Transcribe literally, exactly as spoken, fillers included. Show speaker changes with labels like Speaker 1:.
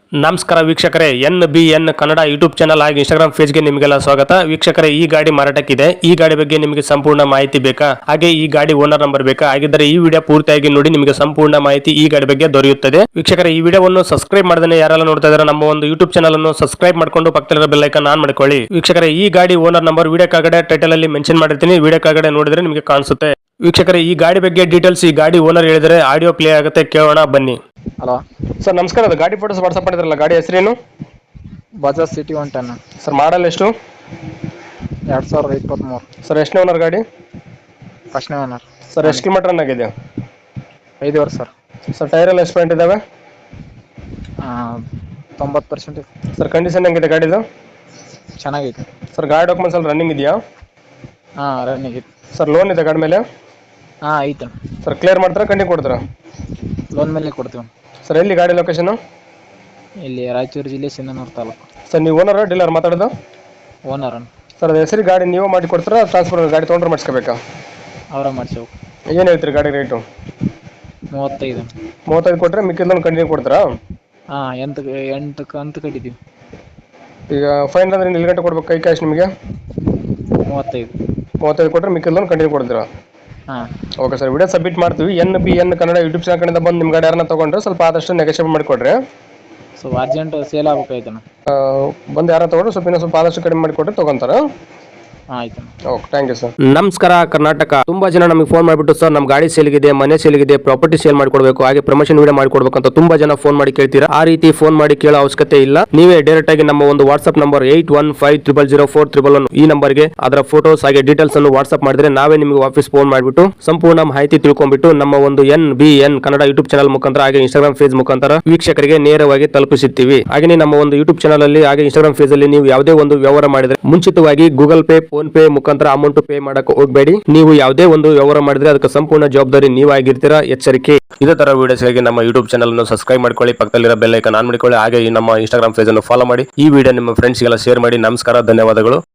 Speaker 1: ನಮಸ್ಕಾರ ವೀಕ್ಷಕರೇ, N B N Kannada YouTube channel ಹಾಗೂ ಇನ್ಸ್ಟಾಗ್ರಾಮ್ ಪೇಜ್ಗೆ ನಿಮಗೆಲ್ಲ ಸ್ವಾಗತ. ವೀಕ್ಷಕರೇ, ಈ ಗಾಡಿ ಮಾರಾಟಕ್ಕಿದೆ. ಈ ಗಾಡಿ ಬಗ್ಗೆ ನಿಮಗೆ ಸಂಪೂರ್ಣ ಮಾಹಿತಿ ಬೇಕಾ, ಹಾಗೆ ಈ ಗಾಡಿ ಓನರ್ ನಂಬರ್ ಬೇಕಾ? ಹಾಗಿದ್ದರೆ ಈ ವಿಡಿಯೋ ಪೂರ್ತಿಯಾಗಿ ನೋಡಿ, ನಿಮಗೆ ಸಂಪೂರ್ಣ ಮಾಹಿತಿ ಈ ಗಾಡಿ ಬಗ್ಗೆ ದೊರೆಯುತ್ತದೆ. ವೀಕ್ಷಕರೇ, ಈ ವಿಡಿಯೋವನ್ನು ಸಬ್ಸ್ಕ್ರೈಬ್ ಮಾಡದೇ ಯಾರೆಲ್ಲ ನೋಡ್ತಾ ಇದ್ದಾರೆ ನಮ್ಮ ಒಂದು ಯೂಟ್ಯೂಬ್ ಚಾನಲ್ ಅನ್ನು ಸಬ್ಸ್ಕ್ರೈಬ್ ಮಾಡ್ಕೊಂಡು ಪಕ್ಕದಲ್ಲಿರೋ ಬೆಲ್ ಐಕಾನ್ ಆನ್ ಮಾಡ್ಕೊಳ್ಳಿ. ವೀಕ್ಷಕರೇ, ಈ ಗಾಡಿ ಓನರ್ ನಂಬರ್ ವಿಡಿಯೋ ಕೆಳಗಡೆ ಟೈಟಲ್ ಅಲ್ಲಿ ಮೆನ್ಷನ್ ಮಾಡಿರ್ತೀನಿ, ವಿಡಿಯೋ ಕೆಳಗಡೆ ನೋಡಿದ್ರೆ ನಿಮಗೆ ಕಾಣಿಸುತ್ತೆ. ವೀಕ್ಷಕರೇ, ಈ ಗಾಡಿ ಬಗ್ಗೆ ಡೀಟೇಲ್ಸ್ ಈ ಗಾಡಿ ಓನರ್ ಹೇಳಿದರೆ ಆಡಿಯೋ ಪ್ಲೇ ಆಗುತ್ತೆ, ಕೇಳೋಣ ಬನ್ನಿ.
Speaker 2: ಹಲೋ
Speaker 1: ಸರ್ ನಮಸ್ಕಾರ. ಅದು ಗಾಡಿ ಫೋಟೋಸ್ ವಾಟ್ಸ್ಆಪ್ ಮಾಡಿದ್ರಲ್ಲ, ಗಾಡಿ ಹೆಸರೇನು?
Speaker 2: Bajaj CT one ten
Speaker 1: sir model ಎಷ್ಟು?
Speaker 2: ಎರಡು ಸಾವಿರದ ಇಪ್ಪತ್ತ್ಮೂರು.
Speaker 1: ಸರ್ ಎಷ್ಟನೇ ಓನರ್ ಗಾಡಿ?
Speaker 2: ಫಸ್ಟ್ನೇ ಓನರ್.
Speaker 1: ಸರ್ ಎಷ್ಟು ಕಿಲೋಮೀಟರ್ ರನ್ ಆಗಿದೆ?
Speaker 2: ಐದು ವರ್ಷ ಸರ್.
Speaker 1: ಸರ್ ಟೈರ್ ಎಲ್ಲ ಎಷ್ಟು ಪಾಯಿಂಟ್ ಇದಾವೆ?
Speaker 2: ತೊಂಬತ್ತು ಪರ್ಸೆಂಟ್.
Speaker 1: ಸರ್ ಕಂಡೀಷನ್ ಹೆಂಗಿದೆ ಗಾಡಿದು?
Speaker 2: ಚೆನ್ನಾಗೈತೆ
Speaker 1: ಸರ್. ಗಾಡಿ ಡಾಕ್ಯುಮೆಂಟ್ಸ್ ಎಲ್ಲ ರನ್ನಿಂಗ್ ಇದೆಯಾ?
Speaker 2: ಹಾಂ ರನ್ನಿಂಗ್ ಐತೆ
Speaker 1: ಸರ್. ಲೋನ್ ಇದೆ ಗಾಡಿ ಮೇಲೆ?
Speaker 2: ಹಾಂ ಐತೆ
Speaker 1: ಸರ್. ಕ್ಲಿಯರ್ ಮಾಡ್ತಾರಾ ಕಂಟಿನ್ಯೂ ಕೊಡ್ತಾರಾ?
Speaker 2: ಲೋನ್ ಮೇಲೆ ಕೊಡ್ತೀವಿ.
Speaker 1: ಸರ್ ಎಲ್ಲಿ ಗಾಡಿ ಲೊಕೇಶನ್?
Speaker 2: ಇಲ್ಲಿ ರಾಯಚೂರು ಜಿಲ್ಲೆ ಸಿಂಧನೂರು ತಾಲೂಕು.
Speaker 1: ಸರ್ ನೀವು ಓನರ್ ಡೀಲರ್ ಮಾತಾಡೋದು?
Speaker 2: ಓನರ್.
Speaker 1: ಸರ್ ಅದು ಹೆಸರು ಗಾಡಿ ನೀವು ಮಾಡಿ ಕೊಡ್ತಾರಾ, ಟ್ರಾನ್ಸ್ಫರ್ ಗಾಡಿ ತೊಗೊಂಡ್ರೆ ಮಾಡಿಸ್ಕೋಬೇಕಾ?
Speaker 2: ಅವರ ಮಾಡಿಸೇವು.
Speaker 1: ಏನು ಹೇಳ್ತೀರಿ ಗಾಡಿ ರೇಟು?
Speaker 2: ಮೂವತ್ತೈದು.
Speaker 1: ಮೂವತ್ತೈದು ಕೊಟ್ಟರೆ ಮಿಕ್ಕಿದ್ದನ್ನು ಕಂಟಿನ್ಯೂ ಕೊಡ್ತಾರಾ?
Speaker 2: ಹಾಂ ಎಂಟು ಎಂಟು ಕಂತು ಕಟ್ಟಿದ್ದೀವಿ.
Speaker 1: ಈಗ ಫೈನ್ ಅಂದ್ರೆ ಇಲ್ಲಿ ಗಂಟೆ ಕೊಡ್ಬೇಕು ಕೈ ಕ್ಯಾಶ್ ನಿಮಗೆ?
Speaker 2: ಮೂವತ್ತೈದು.
Speaker 1: ಮೂವತ್ತೈದು ಕೊಟ್ಟರೆ ಮಿಕ್ಕಿದ್ದನ್ನು ಕಂಟಿನ್ಯೂ ಕೊಡ್ತೀರಾ?
Speaker 2: ಹಾಂ
Speaker 1: ಓಕೆ ಸರ್. ವಿಡಿಯೋ ಸಬ್ಮಿಟ್ ಮಾಡ್ತೀವಿ. N B N Kannada YouTube channel ಕಡೆಯಿಂದ ಬಂದು ನಿಮ್ಮ ಗಾಡಿ ಯಾರನ್ನ ತೊಗೊಂಡ್ರೆ ಸ್ವಲ್ಪ ಆದಷ್ಟು ನೆಗೋಷಿಯೇಟ್ ಮಾಡಿಕೊಡ್ರಿ.
Speaker 2: ಸೊ ಅರ್ಜೆಂಟ್ ಸೇಲ್ ಆಗ್ಬೇಕಾಯ್ತು.
Speaker 1: ಬಂದು ಯಾರು ತೊಗೊಂಡ್ರೆ ಸ್ವಲ್ಪ ಇನ್ನೂ ಸ್ವಲ್ಪ ಆದಷ್ಟು ಕಡಿಮೆ ಮಾಡಿಕೊಟ್ರೆ ತೊಗೊಂತಾರೆ.
Speaker 2: ಆಯ್ತು.
Speaker 1: Okay, thank you sir.
Speaker 3: ನಮಸ್ಕಾರ ಕರ್ನಾಟಕ. ತುಂಬಾ ಜನ ನಮಗೆ ಫೋನ್ ಮಾಡಿಬಿಟ್ಟು ಸರ್ ನಮ್ಮ ಗಾಡಿ ಸೇಲ್ಗಿದೆ, ಮನೆ ಸೇಲ್ಗಿದೆ, ಪ್ರಾಪರ್ಟಿ ಸೇಲ್ ಮಾಡ್ಕೊಡ್ಬೇಕು, ಹಾಗೆ ಪ್ರಮೋಷನ್ ವಿಡಿಯೋ ಮಾಡ್ಕೊಡ್ಬೇಕು ಅಂತ ತುಂಬಾ ಜನ ಫೋನ್ ಮಾಡಿ ಕೇಳ್ತೀರಾ. ಆ ರೀತಿ ಫೋನ್ ಮಾಡಿ ಕೇಳೋ ಅವಶ್ಯಕತೆ ಇಲ್ಲ. ನೀವೇ ಡೈರೆಕ್ಟ್ ಆಗಿ ನಮ್ಮ ಒಂದು WhatsApp number eight one five triple zero four triple one ಈ ನಂಬರ್ಗೆ ಅದರ ಫೋಟೋಸ್ ಹಾಗೆ ಡೀಟೇಲ್ಸ್ ಅನ್ನು ವಾಟ್ಸ್ಆಪ್ ಮಾಡಿದ್ರೆ ನಾವೇ ನಿಮಗೆ ವಾಪಸ್ ಫೋನ್ ಮಾಡಿಬಿಟ್ಟು ಸಂಪೂರ್ಣ ಮಾಹಿತಿ ತಿಳ್ಕೊಂಡ್ಬಿಟ್ಟು ನಮ್ಮ ಒಂದು N B N Kannada YouTube channel ಮುಖಾಂತರ ಹಾಗೆ ಇನ್ಸ್ಟಾಗ್ರಾಮ್ ಪೇಜ್ ಮುಖಾಂತರ ವೀಕ್ಷಕರಿಗೆ ನೇರವಾಗಿ ತಲುಪಿಸುತ್ತೀವಿ. ಹಾಗೆ ನಮ್ಮ ಒಂದು ಯೂಟ್ಯೂಬ್ ಚಾನಲ್ ಅಲ್ಲಿ ಹಾಗೆ ಇನ್ಸ್ಟಾಗ್ರಾಮ್ ಪೇಜ್ ಅಲ್ಲಿ ನೀವು ಯಾವುದೇ ಒಂದು ವ್ಯವಹಾರ ಮಾಡಿದ್ರೆ ಮುಂಚಿತವಾಗಿ ಗೂಗಲ್ ಪೇ, ಫೋನ್ ಪೇ ಮುಖಾಂತರ ಅಮೌಂಟ್ ಪೇ ಮಾಡಕ್ಕೆ ಹೋಗಬೇಡಿ. ನೀವು ಯಾವುದೇ ಒಂದು ವ್ಯವಹಾರ ಮಾಡಿದ್ರೆ ಅದಕ್ಕೆ ಸಂಪೂರ್ಣ ಜವಾಬ್ದಾರಿ ನೀವಾಗಿರ್ತೀರಾ, ಎಚ್ಚರಿಕೆ. ಇದೇ ತರ ವಿಡಿಯೋಸ್ಗಾಗಿ ನಮ್ಮ ಯೂಟ್ಯೂಬ್ ಚಾನಲ್ ಅನ್ನು ಸಬ್ಸ್ಕ್ರೈಬ್ ಮಾಡ್ಕೊಳ್ಳಿ, ಪಕ್ಕದಲ್ಲಿರೋ ಬೆಲ್ ಐಕಾನ್ ಆನ್ ಮಾಡಿಕೊಳ್ಳಿ, ಹಾಗೆ ಈ ನಮ್ಮ ಇನ್ಸ್ಟಾಗ್ರಾಮ್ ಪೇಜ್ ಅನ್ನು ಫಾಲೋ ಮಾಡಿ. ಈ ವಿಡಿಯೋ ನಿಮ್ಮ ಫ್ರೆಂಡ್ಸ್ಗೆಲ್ಲ ಶೇರ್ ಮಾಡಿ. ನಮಸ್ಕಾರ, ಧನ್ಯವಾದಗಳು.